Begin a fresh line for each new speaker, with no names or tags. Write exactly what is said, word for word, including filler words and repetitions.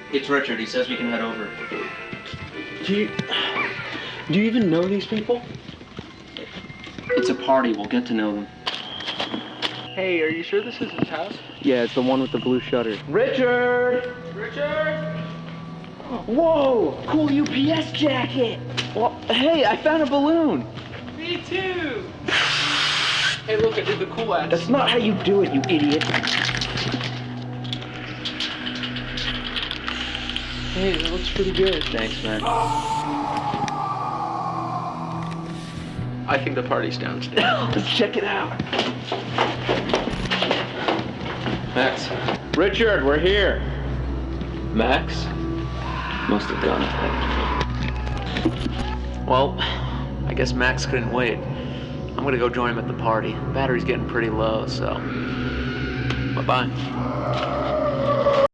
It's Richard. He says we can head over.
Do you... Do you even know these people?
It's a party. We'll get to know them.
Hey, are you sure this is his house?
Yeah, it's the one with the blue shutter.
Richard! Richard!
Whoa! Cool U P S jacket! Well, hey, I found a balloon!
Me too! Hey, look, I did the cool ass.
That's not how you do it, you idiot.
Hey, that looks pretty good.
Thanks, man.
I think the party's downstairs.
Let's check it out.
Max.
Richard, we're here.
Max? Must have gone.
Well, I guess Max couldn't wait. I'm gonna go join him at the party. Battery's getting pretty low, so bye-bye.